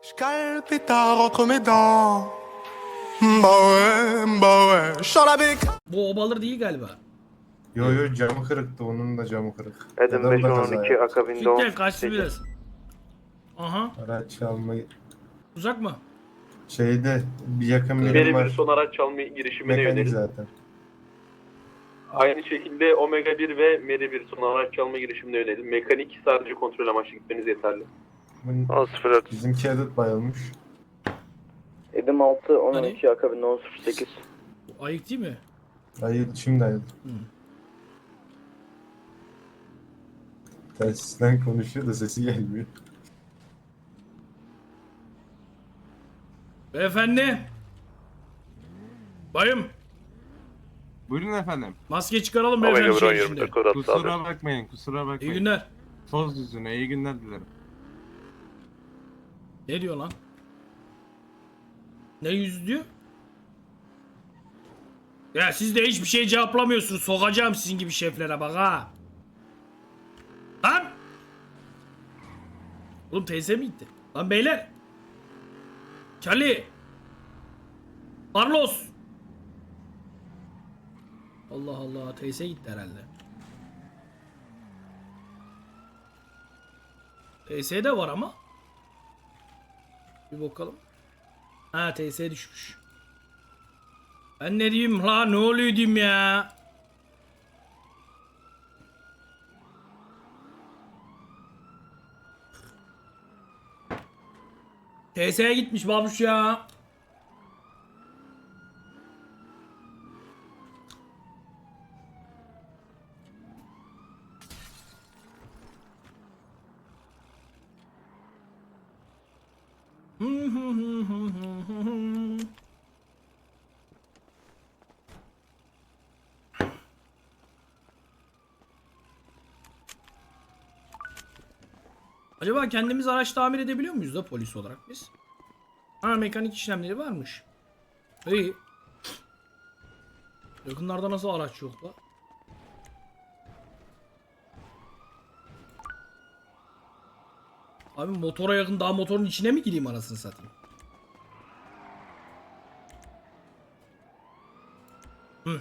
Je cale pétard entre mes dents. Bah ouais, je sors la bec. Bu obalar değil galiba. Yo camı kırıktı, onun da camı kırık. Adam Ya da o da 5 kaza 12 yaptı. akabinde Gel kaçtı 18. biraz. Aha. Araç çalmayı Uzak mı? şeyde bir yakın birim Meri bir var. son araç çalma girişimine Mekanik yönelik. zaten. Aynı şekilde Omega 1 ve Meri bir son araç çalma girişimine yönelik. Mekanik sadece kontrol amaçlı gitmeniz yeterli. Bunun, 10.04. bizimki adet bayılmış. Edim 6 Hani? 12 akabinde 10.08. Bu ayık değil mi? Şimdi ayıldı. Telsizden konuşuyor da sesi gelmiyor. Beyefendi. Bayım. Buyurun efendim. Maske çıkaralım Omega beyefendi 1 şey 24 içinde. kod atı Kusura bakmayın, kusura İyi bakmayın. günler. Toz yüzüne iyi günler dilerim. Ne diyor lan? Ne yüz diyor? Ya siz de hiçbir şey cevaplamıyorsunuz. Sokacağım sizin gibi şeflere bak ha. Lan! Oğlum teyze mi gitti? Lan beyler! Charlie! Carlos! Allah Allah, teyze gitti herhalde. TS de var ama. Bir bakalım. Ha, TS düşmüş. Ben ne diyeyim la, ne oluyor diyeyim ya. TS'ye gitmiş babuş ya. Acaba kendimiz araç tamir edebiliyor muyuz da polis olarak biz? Ha, mekanik işlemleri varmış. İyi. Yakınlarda nasıl araç yok la? Abi motora yakın, daha motorun içine mi gireyim anasını satayım? Hı.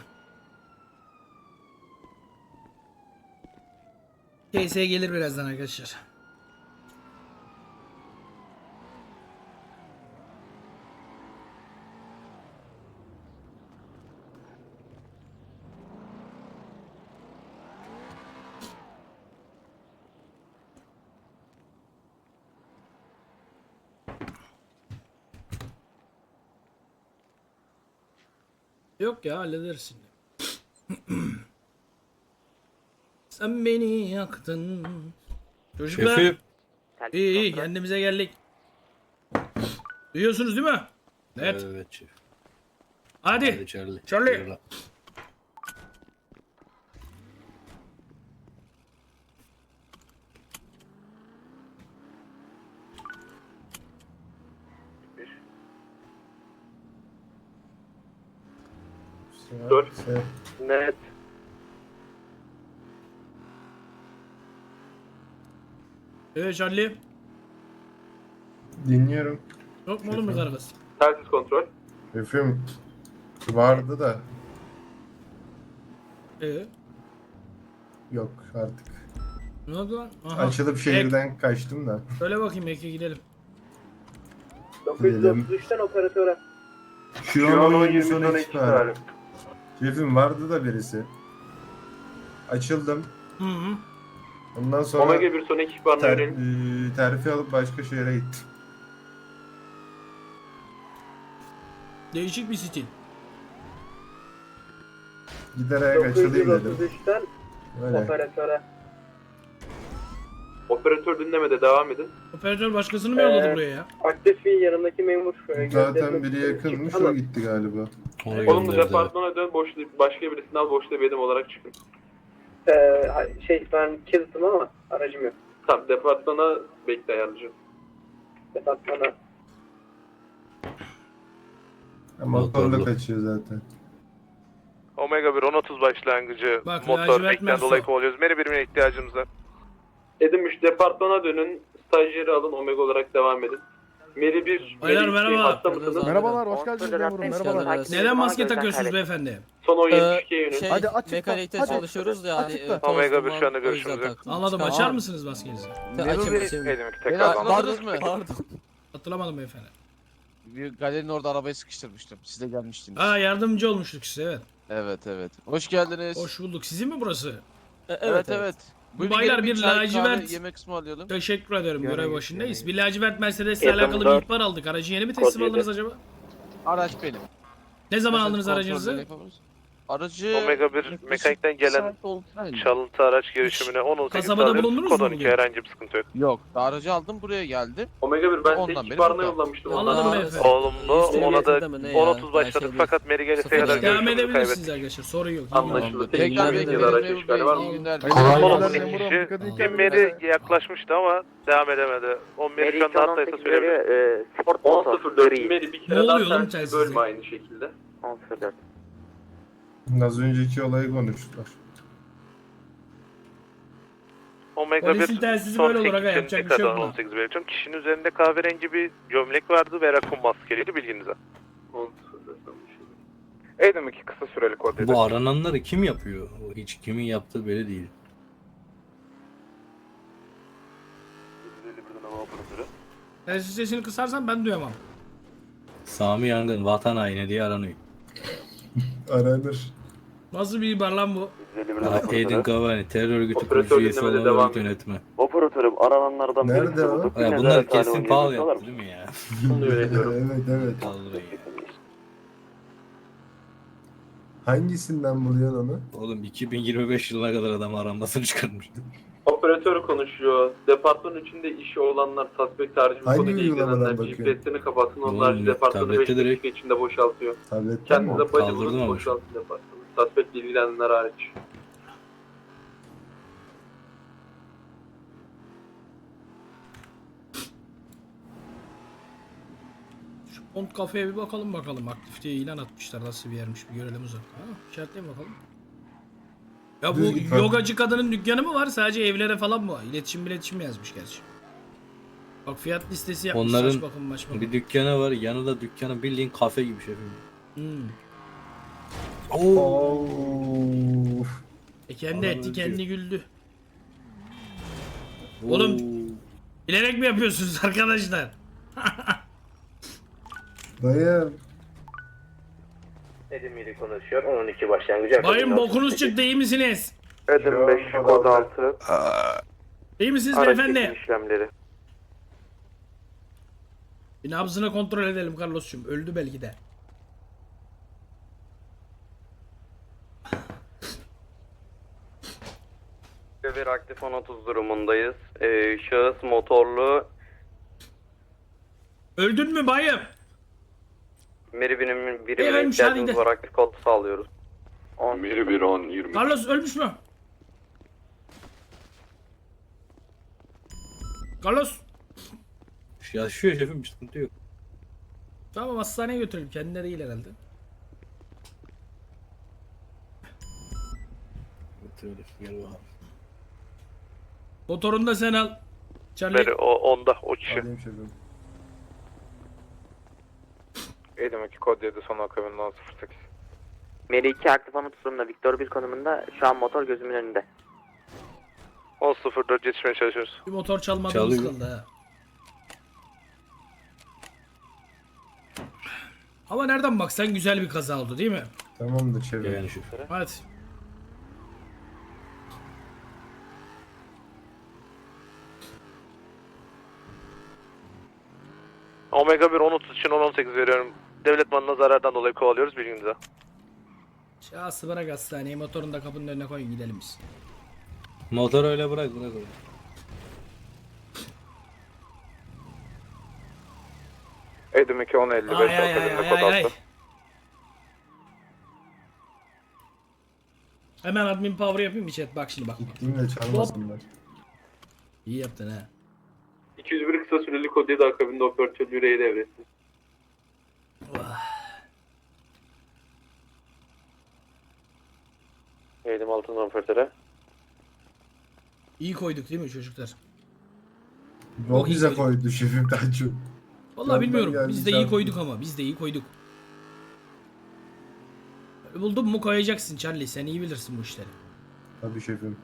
KS gelir birazdan arkadaşlar. Yok ya, hallederiz şimdi. Sen beni yaktın. Çocuklar. Şefim. İyi kendimize geldik. Duyuyorsunuz değil mi? Evet. Evet şef. Hadi. Hadi Charlie. Charlie. Yola. Dur. Net. Evet Charlie. Dinliyorum. Yok mu oğlum bir kargası? Telsiz kontrol. Şefim vardı da yok artık. Ne oldu lan? Aha. Açılıp şehirden kaçtım da. Söyle bakayım Eke, gidelim. 933'ten operatöre. Şu an 20 son ekip ekip var. Şefim vardı da birisi. Açıldım. Hı hı. Ondan sonra Omega 1 son ekipmanına yönelik. terfi alıp başka şehre gittim. Değişik bir stil. Giderek açılayım dedim. 933'ten Öyle. operatöre. Operatör dinlemede devam edin. Operatör başkasını mı yolladı buraya ya? Aktif bir yanındaki memur. Zaten biri yakınmış, o gitti galiba. Ona Olumlu gönderdi. departmana dön. Başka birisini al. Boşta bir edim olarak çıkın. Ben kilitlim ama aracım yok. Tamam, departmana bekle ayarlayacağım. Departmana. Motorla Motorlu. kaçıyor zaten. Omega 1 10.30 başlangıcı. Bak, Motor lacivert bekten Merso. dolayı kovalıyoruz. Meri birimine ihtiyacımız var. Edim 3 departmana dönün. Stajyeri alın. Omega olarak devam edin. Meri 1, Baylar, Meri 2 merhaba. hatta mısınız? Merhabalar, hoş geldiniz memurum. Merhabalar. Neden maske takıyorsunuz beyefendi? Son 10.72'ye yönün. Hadi açıkla, Mekanikte hadi. çalışıyoruz da yani. Açıkla. Omega bir şu anda görüşümüz yok. Anladım. Açar mısınız maskenizi? Açayım. Edim 2 Beni tekrar aldım. hatırladınız mı? Pardon. Hatırlamadım beyefendi. Bir galerinin orada arabayı sıkıştırmıştım. Siz de gelmiştiniz. Aa, yardımcı olmuştuk size, evet. Evet. Hoş geldiniz. Hoş bulduk. Sizin mi burası? Evet. Buyurun Baylar, gelin, bir çay, lacivert- kahve, yemek ısmarlayalım. Teşekkür ederim. Yani- Görev başındayız. yani- Bir lacivert Mercedes'le alakalı bir ihbar aldık. Aracı yeni mi teslim Kod aldınız acaba? Araç benim. Ne zaman Mesela aldınız kontrolleri aracınızı? yapabiliriz. Aracı... Omega 1 mekanikten gelen saat oldu herhalde. çalıntı araç girişimine 10-18 Kasabada sağlıyoruz. bulundunuz Kod mu 12 bugün? herhangi bir sıkıntı yok. Yok, aracı aldım buraya geldim. Omega 1 ben Ondan size beri ihbarına burada. yollamıştım. Anladım Allah- beyefendi. Olumlu ona da 10-30 başladık fakat Meri gelirse Sıfır kadar devam Devam görüşümüzü edebilirsiniz kaybettik. arkadaşlar. Sorun yok. Anlaşıldı. Tekrar Tekrar benim bir araç memur işgali bey, var iyi mı? günler. Kolay Son gelsin. 12 kişi bir Meri yaklaşmıştı ama devam edemedi. 11 şu anda hattaysa söyleyebilirim. 10.04 Meri bir Ne kere oluyor daha oğlum tersi telsizde? bölme aynı şekilde. Az önceki olayı konuştular. Polisin Omega 1 telsizi son böyle olur aga, 8 yapacak bir için şey yok tekrardan buna. 18 belirtiyorum. Kişinin üzerinde kahverengi bir gömlek vardı ve rakun maskeliydi bilginize. 10.04 anlaşıldı. Edim 2 kısa süreli kod Bu arananları kim yapıyor? O hiç kimin yaptığı belli değil. Telsiz sesini kısarsan ben duyamam. Sami Yangın vatan haini diye aranıyor. Aranır. Nasıl bir ihbar lan bu? Aydın Kavani terör örgütü Operatör kurucu üyesi dinlemede olan devam örgüt yönetimi. Operatörüm arananlardan Nerede birisi o? bulduk. Ya Yine bunlar de kesin tane pahalı oynayacaklar yaptı değil mi ya? Bunu öğreniyorum. Evet. Vallahi ya. Hangisinden buluyorsun onu? Oğlum 2025 yılına kadar adam aranmasını çıkarmıştı. Operatör konuşuyor. Departman içinde işi olanlar suspect harici bu Hangi konuyla uygulamadan ilgilenenler bakıyor? GPS'ini kapatsın. Oğlum, Onlar departmanı 5 tablette direkt- dakika içinde boşaltıyor. Tabletten mi? Kendinize bacı Kaldırdım bulun ama. boşaltın departmanı. Suspect ilgilenenler hariç. Şu Pont kafeye bir bakalım. Aktif diye ilan atmışlar. Nasıl bir yermiş bir görelim uzaktan. Ha, işaretleyin bakalım. Ya bu Düz git. yogacı kadının dükkanı mı var? Sadece evlere falan mı var? İletişim yazmış gerçi. Bak fiyat listesi yapmış. Onların Saç bakım maç bakım. Bir dükkanı var, yanında dükkanı bildiğin kafe gibi şey. Hmm. Of. Kendi Adam etti öldü. kendi güldü. Oğlum, bilerek mi yapıyorsunuz arkadaşlar? Dayı. Edim 7 konuşuyor. 12 başlangıcı. Bayım bokunuz çıktı, iyi misiniz? Edim 5 kod 6. İyi misiniz Araç beyefendi? çekim işlemleri. Bir nabzını kontrol edelim Carlos'cum. Öldü belki de. Bir aktif 10.30 durumundayız. Şahıs motorlu Öldün mü bayım? Meri birimine Ölmüş, ihtiyacımız hadi. var. Aktif kod sağlıyoruz. Meri 1 10 20. Carlos ölmüş mü? Carlos. Yaşıyor şefim, bir sıkıntı yok. Tamam, hastaneye götürelim. Kendileri değil herhalde. Götürelim, gel bakalım. Motorunu da sen al. Charlie. Meri o onda o kişi. Alayım şefim. Edim 2 kod 7 son akabinde 08. Meri 2 aktif 10.30 durumunda. Victor 1 konumunda. Şu an motor gözümün önünde. 10.04 yetişmeye çalışıyoruz. Bir motor çalmadığımız Çalıyor. kaldı ha. Ama nereden baksan güzel bir kaza oldu değil mi? Tamamdır şefim. Yani şoför. Hadi. Omega 1 10.30 için 10.18 veriyorum. Devlet malına zarardan dolayı kovalıyoruz bilginize. Şahsı bırak hastaneye, motorunu da kapının önüne koyun gidelim biz. Motoru öyle bırak öyle. Edim 2 10.55 Ay ay ay akabinde ay kod ay ay. 6. Hemen admin power yapayım bir chat, bak şimdi bak. Gittiğimde çalmasınlar. İyi yaptın ha. 201 kısa süreli kod 7 akabinde operatör yüreği devretti. Eğitim altından operatöre. İyi koyduk değil mi çocuklar? O bize koydu şefim daha çok. Vallahi Ben bilmiyorum. geldim, Biz de iyi sen- koyduk ama. Biz de iyi koyduk. Buldun mu koyacaksın Charlie. Sen iyi bilirsin bu işleri. Tabii şefim.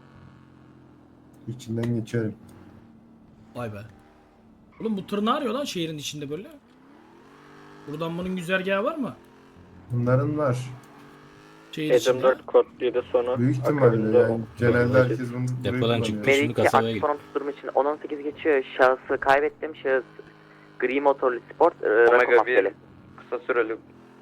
İçinden geçerim. Vay be. Oğlum bu tır ne arıyor lan şehrin içinde böyle? Buradan bunun güzergahı var mı? Bunların var. Şehir içinde. kod 7 sonu. Büyük ihtimalle yani genelde herkes bunu burayı Depodan kullanıyor. çıktı. Meri Şimdi 2 kasabaya aktif anons durumu için 10-18 geçiyor. Şahsı kaybettim. Şahıs gri motorlu sport. Rakım maskeli. Kısa süreli.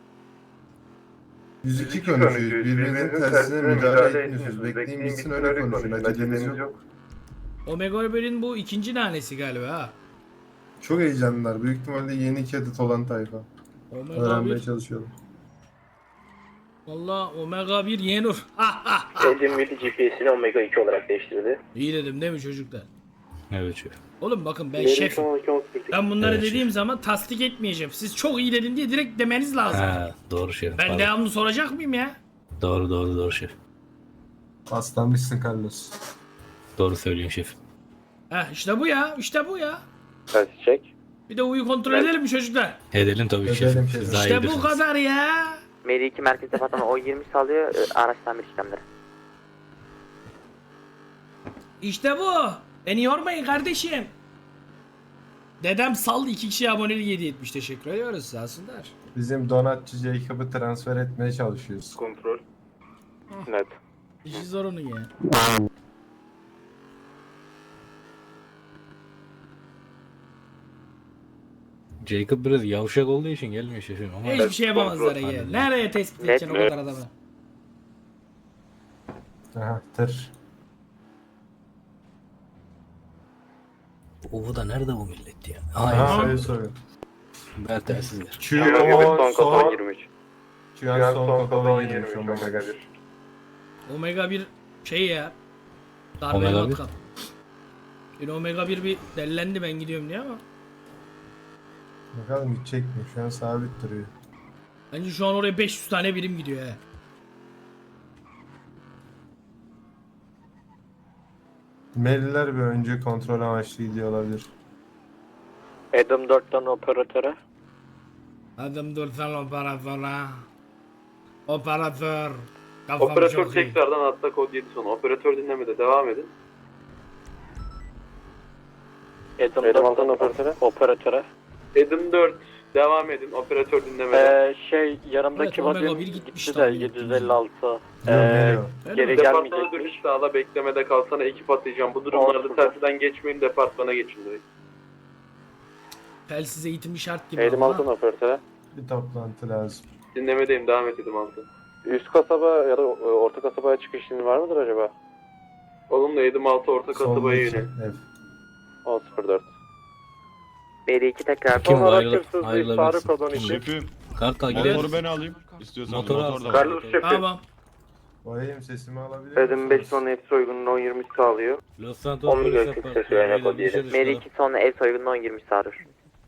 102 konuşuyoruz. Birbirinizin tersine müdahale etmiyorsunuz. Bekleyin bitsin öyle konuşun. Aceleniz yok. Omega 1'in bu ikinci nanesi galiba ha. Çok heyecanlılar. Büyük ihtimalle yeni cadet olan tayfa. Omega Öğrenmeye 1. çalışıyorlar. Valla Omega 1 Yenur. Edim GPS'ini Omega 2 olarak değiştirdi. İyi dedim değil mi çocuklar? Evet şef. Oğlum bakın ben şefim. Ben bunları Evet, dediğim zaman tasdik etmeyeceğim. Siz çok iyi dedin diye direkt demeniz lazım. Ha, doğru şef. Ben Pardon. devamlı soracak mıyım ya? Doğru şef. Aslanmışsın Carlos. Doğru söylüyorsun şef. Heh işte bu ya. İşte bu ya. Ters çek. Bir de uyu kontrol edelim mi çocuklar? Edelim tabii Edelim şefim. şefim. Siz daha iyi İşte bu bilirsiniz. kadar ya. Meri 2 merkez departmanı O20 sağlıyor. Araç tamir işlemleri. İşte bu. Beni yormayın kardeşim. Dedem saldı 2 kişi aboneli hediye etmiş. Teşekkür ediyoruz. Sağ olsunlar. Bizim donatçı Jacob'ı transfer etmeye çalışıyoruz. Kontrol. Net. İşi zor onun ya. Jacob biraz yavşak olduğu için gelmiyor şefim ama. Hiçbir şey yapamazlar ya. Nereye tespit edeceksin o Net. kadar adamı? Aha tır. Bu da nerede bu millet ya? Aha Hayır. öyle soruyor. Ben telsizler. Son son 23. Çuyan son kodan 23 Omega 1. Omega 1 şey ya. Darbeli Omega 1? matkap. Yine Omega 1 bir dellendi ben gidiyorum diye ama. Bakalım gidecek mi? Şu an sabit duruyor. Bence şu an oraya 500 tane birim gidiyor he. Meliler bir önce kontrol amaçlı gidiyor olabilir. Adam 4'ten operatöre. Adım dursan operatöre. Operatör. Kafam Operatör çok iyi. tekrardan hatta kod 7 sonu. Operatör dinlemede devam edin. Adam 4'ten operatöre. Adam 4 devam edin. Operatör dinlemede. Evet, Omega 1 gitmiş de 756. Geliyor. Geri Departmana dönüş sağla, beklemede kalsana, ekip atacağım. Bu durumlarda telsizden geçmeyin, departmana geçin direkt. Telsiz eğitimi şart gibi ama. operatöre. Bir toplantı lazım. Dinlemedeyim, devam et Edim altı. Üst kasaba ya da orta kasabaya çıkış izni var mıdır acaba? Olumlu Edim altı orta kasabaya Soldaki yönel. ev. 10.04. Meri 2 tekrar. Kim Sonra ayrılır? kimsiz bir Ayrılabilirsin. sarı kodon Kim? için. Şefim, Kartal gidelim. motoru ben alayım. İstiyorsanız Motoru motor da al. var. Carlos şefim. Tamam. Bayım sesimi alabilir Edim 5 musunuz? son hepsi uygunluğu 10.20 sağlıyor. Los Santos Omega polis sesi yaparken yani ayrı kod dışarı yedi. Meri çıkalım. 2 sonra ev soygununa 10-20 sağlıyor.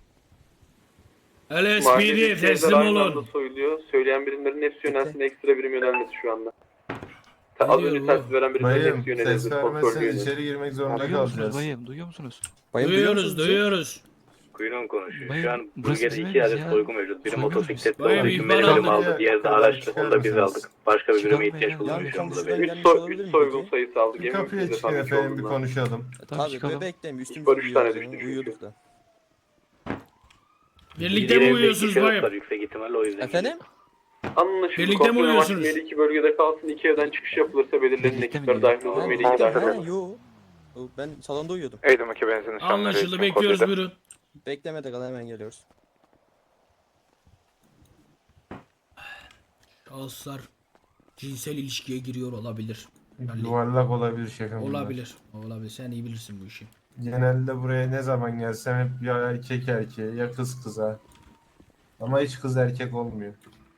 LSPD teslim olun. Soyuluyor. Söyleyen birimlerin hepsi yönelsin. Ekstra birim yönelmesi şu anda. Ne Az diyor önce bu? telsiz veren birimlerin Bayım hepsi ses yönelildi. Kontrol vermezseniz yönelildi. içeri girmek zorunda Duyuyor musunuz kalacağız. bayım? Duyuyor musunuz? Duyuyoruz. Kuyruğun konuşuyor. Bayım, Şu an burası bölgede bizim 2 adet ya. soygun mevcut. Biri Soygun motosikletli Bayım, olduğu için ihbar benim alın. aldı. Diğeri de araçlı. Onu da biz aldık. Başka bir birime ihtiyaç Ya, bulunuyor şu an burada. konuşmayın. benim. 3 soygun sayısı aldık. Bir Emin kapıya misiniz çıkın efendim efendim bir olduğundan? konuşalım. Tabii çıkalım. Bekleyin İhbar 3 tane düştü çünkü. uyuyorduk da. Birlikte mi uyuyorsunuz bayım? Yüksek ihtimalle o yüzden. Efendim? Anlaşıldı. Birlikte mi Kontrol amaçlı uyuyorsunuz? Melih 2 bölgede kalsın. 2 evden çıkış yapılırsa belirlenen Birlikte mi ekipler dahil olur. Melih 2 dahil olur. Yo. Ben salonda uyuyordum. Eğitim 2 benzin Anlaşıldı bekliyoruz buyurun. Beklemede kal hemen geliyoruz. Şahıslar cinsel ilişkiye giriyor olabilir. Yuvarlak olabilir şefim. bunlar. Olabilir. Olabilir. Sen iyi bilirsin bu işi. Genelde buraya ne zaman gelsem hep ya erkek erkeğe ya kız kıza. Ama hiç kız erkek olmuyor.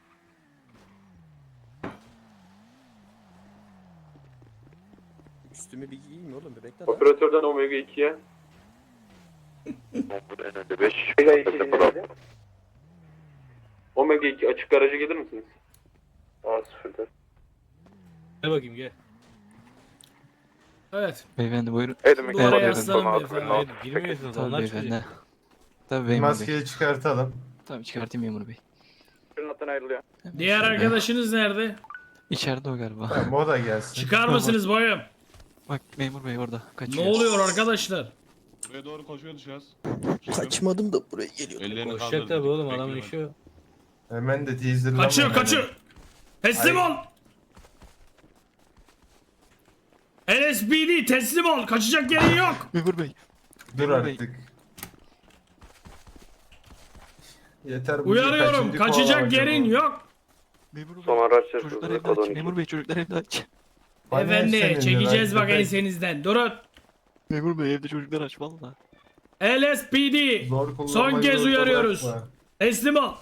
Üstümü bir giyeyim oğlum bir bekle lan. Operatörden Omega 2'ye. 5. Omega 2 açık garaja gelir misiniz? 10.04. Gel bakayım gel. Evet. Beyefendi buyurun. Eğitim Bu araya aslanım beyefendi. Hayır girmiyorsunuz Tabii onlar çıkacak. beyefendi. Tabii memur bey. Maskeyi çıkartalım. Tabii çıkartayım memur bey. Fırlattan ayrılıyor. Diğer arkadaşınız nerede? İçeride o galiba. Tamam o da gelsin. Çıkar mısınız bayım? Bak memur bey orada. Ne Kaçıyor. oluyor arkadaşlar? Buraya doğru koşuyor dışarı. Kaçmadım da buraya geliyor. Ellerini Koşacak tabii oğlum adamın işi o. Hemen de teaserlama. Kaçıyor kaçıyor. Teslim ol. LSPD teslim ol. Kaçacak yerin yok. Memur bey. Dur Memur Bey. artık. Yeter bu Uyarıyorum. kaçıncı Kaçacak kovalamaca yerin bu? yok. Memur bey. Son araç Çocuklar hırsızlığı evde kod aç. 12. Memur bey çocuklar evde aç. Bana Efendi seninle çekeceğiz lan, bak köpek. ensenizden. Durun. Memur bey evde çocuklar aç valla. LSPD. Zor Son kullanmayı kez zorla uyarıyoruz. bırakma. Teslim ol.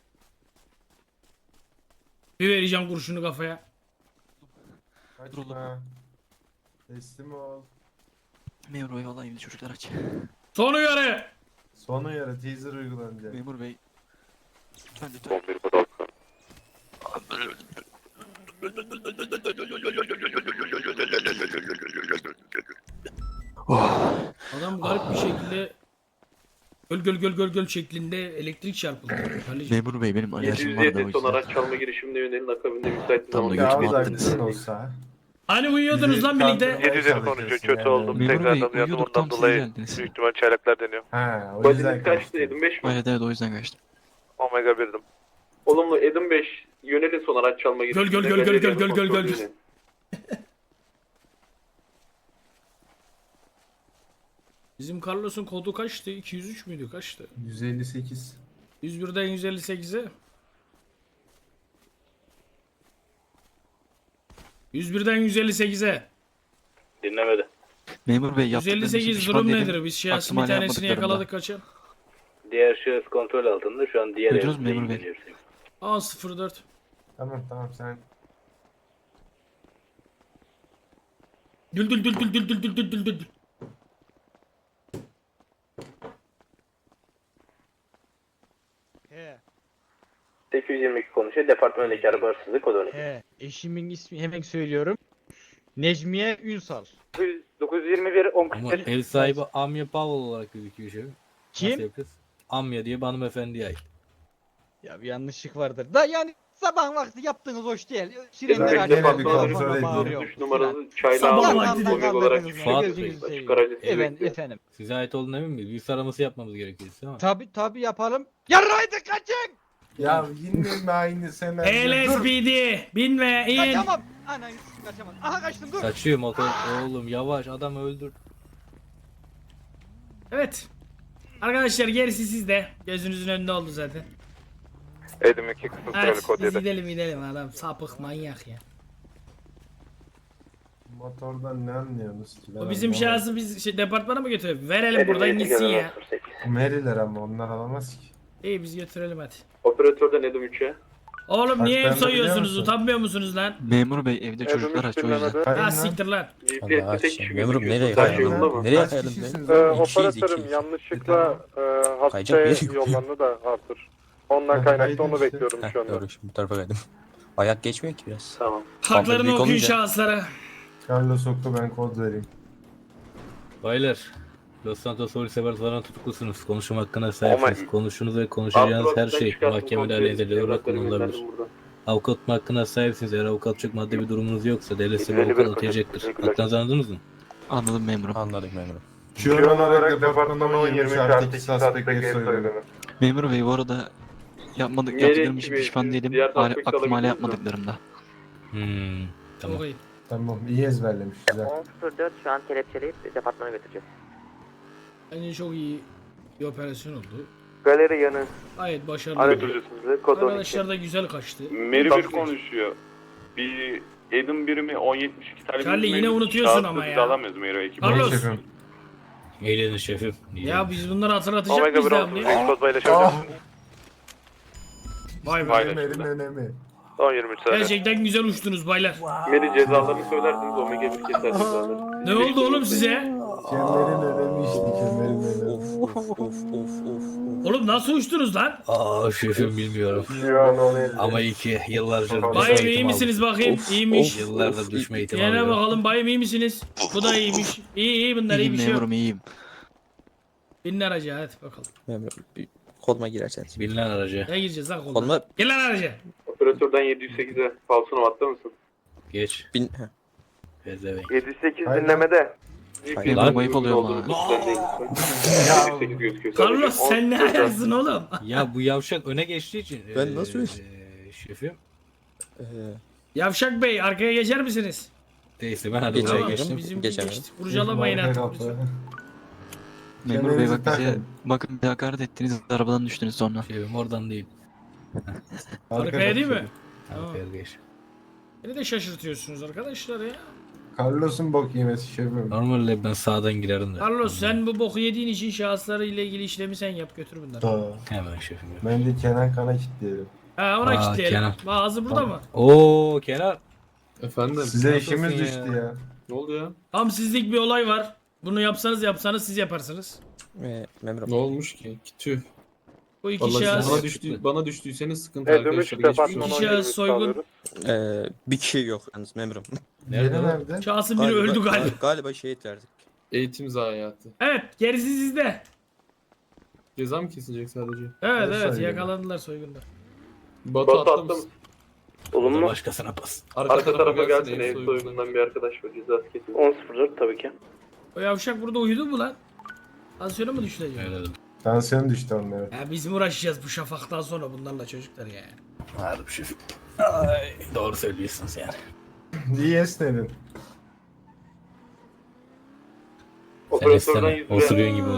Bir vereceğim kurşunu kafaya. Kaçma. Teslim ol. Memur bey valla evde çocuklar aç. Son uyarı. Son uyarı teaser uygulanacak. Memur bey. Lütfen lütfen. 11 kod 6. Adam garip bir şekilde göl şeklinde elektrik çarpıldı. Kardeşim. Memur bey benim alerjim var da o 707 son yüzden. araç çalma girişimine yönelik akabinde müsait bir Tam zaman da Ya götümü az attınız. aklın olsa. Hani uyuyordunuz lan birlikte. 750 konuşuyor. Kötü oldum. Memur Bey, Tekrardan uyandım. uyuyorduk, tam Ondan siz dolayı geldiniz. büyük ihtimal çaylaklar deniyor. Ha o yüzden Badiniz kaçtı? kaçtı. Edim 5 mi? Evet evet o yüzden kaçtım. Omega 1'dim. Olumlu Edim 5 yönelin son araç çalma girişimine. Göl. Belediyenin kontrolüne. Bizim Carlos'un kodu kaçtı? 203 müydü? Kaçtı? 158. 101'den 158'e. 101'den 158'e. Dinlemedi. Memur bey yaptıklarım için 158 pişman durum değilim. nedir? Biz şahsın bir Aklıma tanesini yapmadıklarımda. yakaladık kaçan. Diğer şahıs kontrol altında. Şu an diğer Duydunuz mu evde memur bey? ilgileniyoruz. A04. Tamam sen. Dül. 822 konuşuyor. Departmandaki araba hırsızlığı kod 12. Eşimin ismi hemen söylüyorum. Necmiye Ünsal. 921 10 Ama ev sahibi Amya Pavel olarak gözüküyor şefim. Kim? Nasıl kız? Amya diye bir hanımefendiye ait. Ya bir yanlışlık vardır. Da yani sabah vakti yaptığınız hoş değil. Evet, Sirenler gene açıyor. bir falan kontrol falan edeyim. bağırıyor 3 numaralı çayla Sabah aldım. vakti Omega olarak Fuat Bey. Gözünüzü seveyim. Açık aracı Evet bekliyor. efendim. Size ait olduğunu emin miyiz? Yüz araması yapmamız gerekiyor ama. Tabi yapalım. Yarraydı kaçın. Ya yine mi aynı sen? Dur. LSPD. Binme in. Kaçamam. Anan kaçamam. Aha kaçtım dur. Kaçıyor motor. Oğlum yavaş adam öldür. Evet. Arkadaşlar gerisi sizde. Gözünüzün önünde oldu zaten. Edim 2 kısım süreli Evet kod biz 7. gidelim adam sapık manyak ya. Motordan ne anlıyorsunuz ki? O bizim şahsı biz departmana mı götürelim? Verelim buradan gitsin ya. Meriler ama onlar alamaz ki. İyi biz götürelim hadi. Operatörden Edim 3'e. Oğlum Bak, niye ben ev de soyuyorsunuz? biliyor musun? Utanmıyor musunuz lan? Memur bey evde çocuklar aç o yüzden. Hayır Ha lan. siktir lan. GPS'te tek kişi Memurum gözüküyor. nereye Her şey kayalım? yolunda mı? Nereye Kaç kayalım kişisiniz be? lan? Operatörüm yanlışlıkla Kayacak bir yer yok. yollarını da Arthur. Ondan kaynaklı onu bekliyorum Heh, doğru şimdi bu tarafa kaydım. Ayak geçmiyor ki biraz. Tamam. Haklarını büyük okuyun olunca- şahıslara. Carlos oku ben kod vereyim. Baylar. Los Santos Polis Departmanı'ndan tutuklusunuz. Konuşma hakkına sahipsiniz. Ama- Konuştuğunuz ve konuşacağınız her Altı şey çıkarttım, mahkemede kontrol aleyhinize olarak evrakları kullanılabilir. gönderdim buradan. Avukat hakkına sahipsiniz. Eğer avukatlık maddi bir durumunuz yoksa devlet size bir Belli bir avukat koşul, atayacaktır. teşekkürler. Hakkınızı anladınız mı? Anladım memurum. Anladık memurum. Şu an olarak departmanın 20 artı 2 suspect soyuyor. Memur bey bu arada Nereye yaptıklarım için gibi? pişman değilim. Diğer suspect Aklıma hala alabilirsiniz yapmadıklarımda. Tamam. Çok iyi. Tamam iyi ezberlemiş güzel. 10.04 şu an kelepçeleyip departmana götüreceğiz. Bence çok iyi bir operasyon oldu. Galeri yanı. Gayet başarılı. Götürücüsünüz. Kod 12. Arkadaşlar da güzel kaçtı. Meri bir konuşuyor. Bir Edim birimi 1072 tane Charlie yine unutuyorsun ama ya. alamıyoruz Meri ekibi. Carlos. Şefim. Eğlenin şefim. Ya biz bunları hatırlatacak Omega mıyız 1 devam 30. diye? Kod paylaşabilirsiniz. Vay be. Aynen. Merim önemi. Son 23 saniye. Gerçekten güzel uçtunuz baylar. Meri cezalarını söylersiniz Omega 1 keser cezaları. Ne oldu oğlum size? Kemerin önemi işte kemerin önemi. Of of of of of. Oğlum nasıl uçtunuz lan? Aa şefim bilmiyorum. Şu an onu elde. Ama iyi ki yıllarca Bayım, düşme Bayım iyi eğitimi misiniz aldım. bakayım? İyiymiş. Yıllardır düşme eğitimi Yine alıyorum. bakalım bayım iyi misiniz? Bu da iyiymiş. İyi bunlar iyi İyiyim bir şey yok. memurum iyiyim. Binin araca hadi bakalım. Memurum bir koluma girerseniz. Binilen araca. Ne gireceğiz lan koluna? Koluma Gel lan araca. Operatörden 708'e falsonu attı mısın? Geç. bin... Pezevenk. 7-8 Hayır. dinlemede. Hayır. Lan ayıp oluyor ama. Lütfen değil lütfen. 708 gözüküyor. Carlos sadece. sen ne ayaksın oğlum? Ya bu yavşak öne geçtiği için. Ben nasıl öyle? Şefim. Yavşak Bey arkaya geçer misiniz? Neyse ben hadi Geçer, buraya geçtim. geçtim. Bizim geçemem. geçti. Kurcalamayın artık. lütfen. Memur bey Kemerinizi bak bize takın. bakın bir hakaret ettiniz arabadan düştünüz sonra. Şefim oradan değil. Arkaya değil mi? Arkaya geç. Beni de şaşırtıyorsunuz arkadaşlar ya. Carlos'un bok yemesi şefim. Normalde ben sağdan girerim de. Carlos sen bu boku yediğin için şahısları ile ilgili işlemi sen yap götür bunları. Da. Hemen şefim. Ben de Kenan Kan'a kilitleyelim. Ha ona Aa, kilitleyelim. Kenan. Ağzı burada mı? Oo Kenan. Efendim? Size Nasılsın işimiz ya? düştü ya. Ne oldu ya? Tam sizlik bir olay var. Bunu yapsanız siz yaparsınız. Memurum. Ne olmuş ki? Tüh. Bu iki şahıs, Bana düştüyseniz sıkıntı Dönüş arkadaşlar. Geçmiş departmanı olsun. İki şahıs soygun. Bir kişi yok yalnız memurum. Yeri Nerede o? nerede? Şahsın biri öldü galiba. Galiba şehit verdik. Eğitim zayiatı. Evet gerisi sizde. Ceza mı kesilecek sadece? Evet Ne evet soygunu? yakalandılar soygunda. Batu attım. O da Olumlu. başkasına pas. Arka tarafa gelsin ev soygundan bir arkadaş var cezası kesin. 10.04 tabii ki. O yavşak burada uyudu mu lan? Tansiyonu mu düştü acaba? Öyle dedim. Tansiyon düştü onlara. Ya biz mi uğraşacağız bu şafaktan sonra bunlarla çocuklar ya? Harbi şefim. Ay, doğru söylüyorsunuz yani. İyi esnedin. Sen isteme. Osuruyorsun gibi oldu.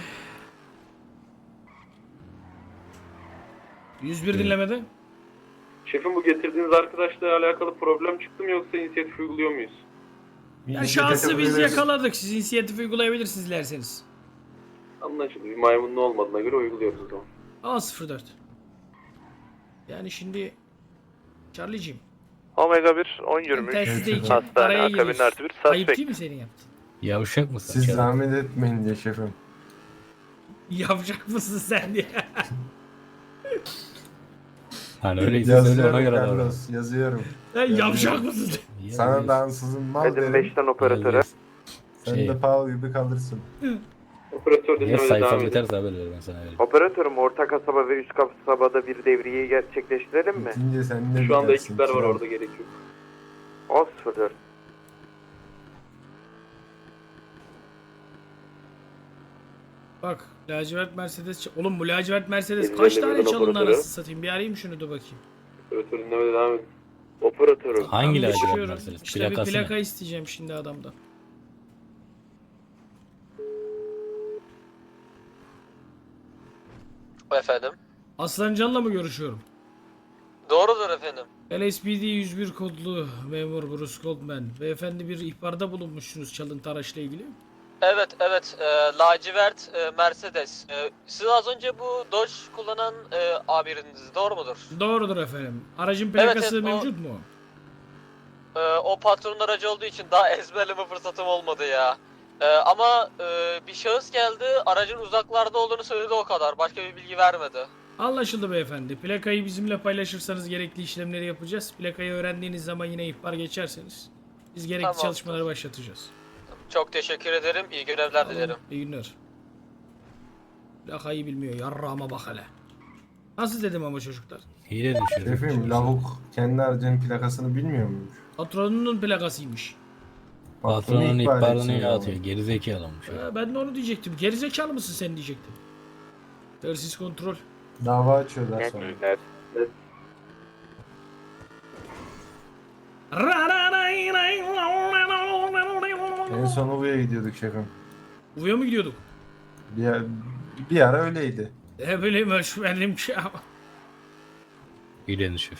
101 dinlemede. Şefim bu getirdiğiniz arkadaşla alakalı problem çıktı mı yoksa inisiyatif uyguluyor muyuz? Ya şahsı biz yakaladık. Siz inisiyatif uygulayabilirsiniz dilerseniz. Anlaşıldı. Bir maymunlu olmadığına göre uyguluyoruz o zaman. A04. Yani şimdi Charlie'cim Omega 1 10 ben 23. telsizde Hastane araya akabin giriyorsun. artı 1 Ayıp suspect. değil mi senin yaptın? Yavşak mısın? Siz Kenan? zahmet etmeyin diye şefim. Yapacak mısın sen diye. Hani öyleyse söyle ona Yazıyorum göre davran. Carlos, yazıyorum. Sen yapacak mısın? Sana dansızın mal Edim derim. 5'ten operatöre. Sen Şey- de Paul gibi kalırsın. Operatör Ya dinlemede sayfa devam edin. biterse haber ver ben sana vereyim. Operatörüm orta kasaba ve üst kasabada bir devriyeyi gerçekleştirelim mi? Bitince sen de Şu anda bitersin, ekipler var kral. orada, gerek yok. 10.04. Bak lacivert Mercedes. Oğlum bu lacivert Mercedes Elli kaç elli tane milyon çalındı operatörü. anasını satayım. Bir arayayım şunu da bakayım. Operatör dinlemede devam edin. Operatörüm. Hangi Ben lacivert geçiyorum. Mercedes? İşte bir Plakası plaka ne? isteyeceğim şimdi adamdan. Efendim? Aslancan'la mı görüşüyorum? Doğrudur efendim. LSPD 101 kodlu memur Bruce Goldman. Beyefendi bir ihbarda bulunmuşsunuz çalıntı araçla ilgili. Evet lacivert Mercedes. Siz az önce bu Dodge kullanan amiriniz doğru mudur? Doğrudur efendim. Aracın plakası evet, o- mevcut mu? O patronun aracı olduğu için daha ezberleme fırsatım olmadı ya. Ama bir şahıs geldi, aracın uzaklarda olduğunu söyledi, o kadar. Başka bir bilgi vermedi. Anlaşıldı beyefendi. Plakayı bizimle paylaşırsanız gerekli işlemleri yapacağız. Plakayı öğrendiğiniz zaman yine ihbar geçerseniz biz gerekli Tamamdır. çalışmaları başlatacağız. Çok teşekkür ederim, iyi görevler dilerim. İyi günler. Plakayı bilmiyor. Yarrağıma bak hele. Nasıl dedim ama çocuklar? Hile düşürüyor. Şefim lavuk kendi aracının plakasını bilmiyor muymuş? Patronunun plakasıymış. Patronun ihbar ihbarını etsin atıyor. ya. Gerizekalımış. Ben de onu diyecektim. Gerizekalı mısın sen diyecektim. Tersiz kontrol. Dava açıyorlar sonra. En son Uvu'ya gidiyorduk şefim. Uvuya mı gidiyorduk? Bir ara öyleydi. Ne bileyim ölçmedim ki ama. Hilenin şef.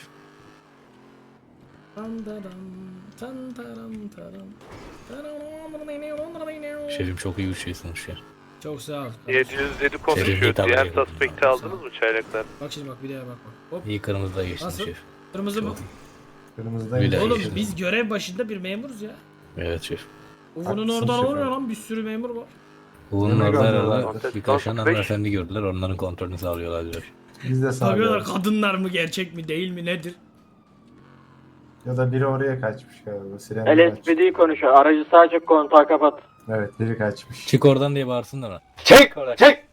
Şefim çok iyi bir şey sonuç ya. Çok sağ ol. 707 Şerif konuşuyor. hitap Diğer ediyor. suspect'i aldınız mı çaylaklar? Bak şimdi bak bir daha bak. Hop. İyi kırmızıda geçtin Nasıl? şef. Kırmızı mı? Çok iyi. Kırmızıdaydı. Öyle. Oğlum geçti. biz görev başında bir memuruz ya. Evet şef. Uvu'nun Haklısın oradan şefim. oluyor lan bir sürü memur var. Bunun Ne orada kadar arada var? birkaç tane 65. hanımefendi gördüler. Onların kontrolünü sağlıyorlar diyor. Biz de Bakıyorlar sağlıyoruz. kadınlar mı gerçek mi değil mi nedir? Ya da biri oraya kaçmış galiba. Sirenler açmış. LSPD konuşuyor. Aracı sadece kontağı kapat. Evet biri kaçmış. Çık oradan diye bağırsınlar ona. Çek! Çek!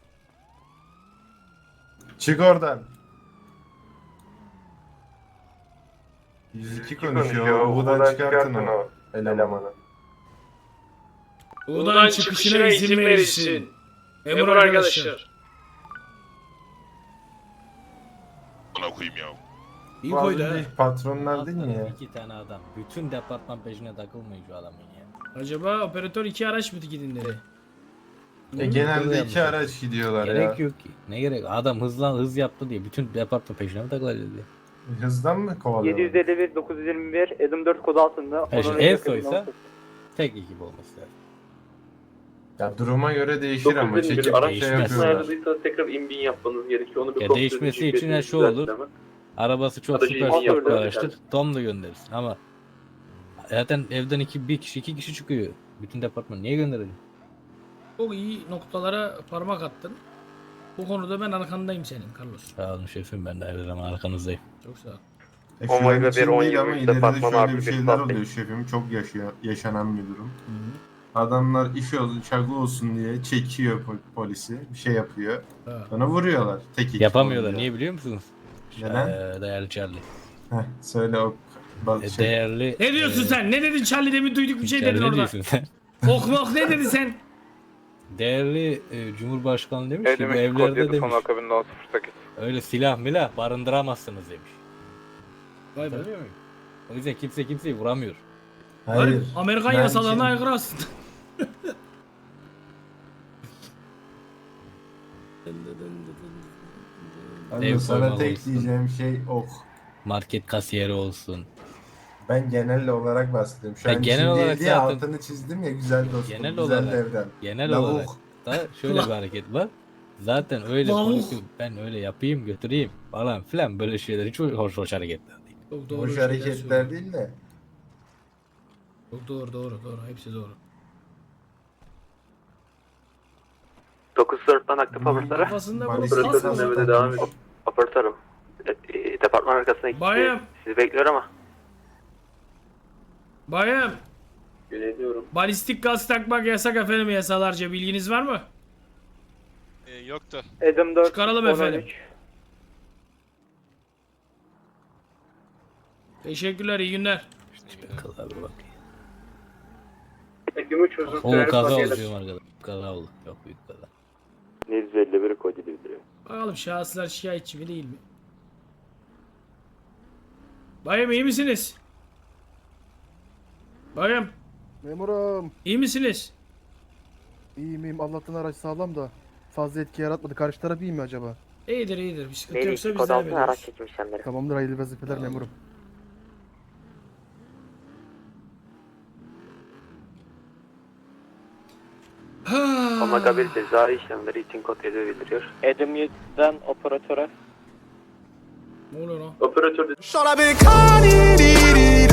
Çık oradan. 102 konuşuyor. Buradan çıkartın o elemanı. Buradan çıkışına izin verilsin. Memur arkadaşlar. Bana koyayım ya. İyi Bu az koydu ha. önceki patronlar değil mi ya? 2 tane adam. Bütün departman peşine takılmayın şu adamın ya. Acaba operatör 2 araç mı gidin dedi. Genelde 2 araç gidiyorlar Gerek ya. yok ki. Ne gerek? Adam hız yaptı diye bütün departman peşine mi takılacağız diye. Hızdan mı kovalıyorlar? 751 921 Edim 4 kodu altında. Şimdi en soysa tek ekip olması lazım. Ya duruma göre değişir ama 911 çekip araç şey değişmez. yapıyorlar. ayarladıysanız tekrar in-bin yapmanız gerekiyor. Onu bir Ya kontrol değişmesi edin, için ya GPS'inizi şu olur. düzeltin hemen. Arabası çok Aracı süper iyi süper yapıyor, araçtır. yani. Tom da gönderirsin ama zaten evden bir kişi iki kişi çıkıyor. Bütün departman niye gönderelim? Çok iyi noktalara parmak attın. Bu konuda ben arkandayım senin Carlos. Sağ olun şefim, ben de her zaman arkanızdayım. Çok sağ ol. Şu an Omega için 1, 10, değil ama 23 ileride departman şöyle artı bir bir şeyler saat oluyor şefim. Çok yaşanan bir durum. Adamlar iş olsun, çakı olsun diye çekiyor polisi. Bir şey yapıyor. Ha. Sonra vuruyorlar. Tek ekip Yapamıyorlar. olunca. Niye biliyor musunuz? Neden? Değerli Charlie. Heh, söyle o şey. Değerli... Ne diyorsun sen? Ne dedin Charlie, demin duyduk bir şey Charlie, dedin ne orada. diyorsun sen? Ok ne dedin sen? Değerli Cumhurbaşkanı demiş ki bu Edim 2 kod evlerde 7 son demiş akabinde 1008. öyle silah milah barındıramazsınız demiş. Vay be. Tabii mi? O yüzden kimse kimseyi vuramıyor. Hayır. Amerikan Ben yasalarına şimdi- aykırı aslında. Abi Ev sana soymalı tek olsun. diyeceğim şey ok. Market kasiyeri olsun. Ben genel olarak bahsediyorum. Şu Ya an genel için olarak değil diye zaten- altını çizdim ya güzel dostum. Genel güzel olarak- devren. Genel Lavuk. olarak da şöyle bir hareket var. Zaten öyle Lavuk. konuşuyor. Ben öyle yapayım götüreyim falan filan böyle şeyler hiç hoş hareketler değil. Çok doğru Boş şeyler hareketler söylüyorsun. değil de. Çok doğru. Hepsi doğru. 904'ten aktif operatörü. Kafasında bu Balistik nasıl saldırı oldu? Nöbete devam edin. Operatörüm. Departman arkasına gitti. Bayım. Sizi bekliyor ama. Bayım. Yöneliyorum. Balistik gaz takmak yasak efendim, yasalarca bilginiz var mı? Yoktu. Edim 4 Çıkaralım efendim. Teşekkürler, iyi günler. Kaza bir bak. Gümüş uzun O süreli kaza oldu pakeler. diyorum arkadaşlar. Kaza oldu. Çok büyük kaza. 751 kod bildiriyor. Bakalım şahıslar şikayetçi mi değil mi? Bayım iyi misiniz? Bayım Memurum. iyi misiniz? İyiyim. Allah'tan araç sağlam da fazla etki yaratmadı. Karşı taraf iyi mi acaba? İyidir. Bir sıkıntı Neydi? yoksa Kod biz de altına araç hallederiz. çekim işlemleri. Tamamdır, hayırlı vazifeler memurum. Omega 1 cezai işlemleri için kod 7 bildiriyor. Edim 7'den operatöre. Ne oluyor lan? Operatör Sur la bécane,